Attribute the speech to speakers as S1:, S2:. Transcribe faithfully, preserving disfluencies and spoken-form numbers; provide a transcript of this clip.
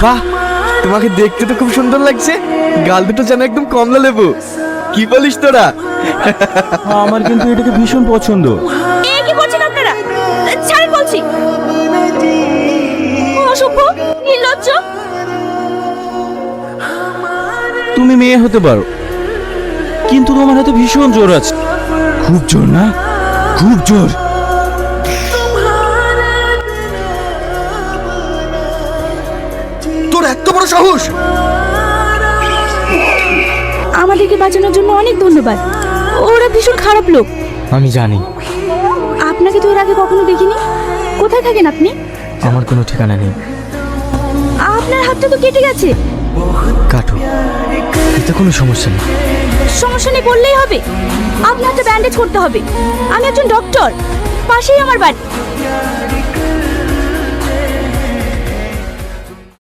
S1: বাহ, তোমাকে দেখতে তো খুব সুন্দর লাগছে। গাল দুটো যেন একদম কমলা লেবু। কি বলিস তোরা?
S2: আমার কিন্তু এটাকে ভীষণ পছন্দ।
S3: এ কি করছেন আপনারা? ছাড়েন বলছি। অসভ্য, নির্লজ্জ।
S2: তুমি মেয়ে হতে পারো, কিন্তু তোমার হাতে ভীষণ জোর আছে। খুব জোর না? খুব জোর।
S1: তোর এত বড় সাহস!
S3: আমাদেরকে বাঁচানোর জন্য অনেক ধন্যবাদ। ওরা ভীষণ খারাপ লোক।
S2: আমি জানি।
S3: আপনাকে তো এর আগে কখনো দেখিনি। কোথায় থাকেন আপনি?
S2: আমার কোনো ঠিকানা নেই।
S3: আপনার হাতটা তো কেটে গেছে।
S2: কাটো, এতে কোনো সমস্যা নেই।
S3: সমস্যা নেই বললেই হবে? আপনার হাতে ব্যান্ডেজ করতে হবে। আমি একজন ডক্টর, পাশেই আমার বাড়ি।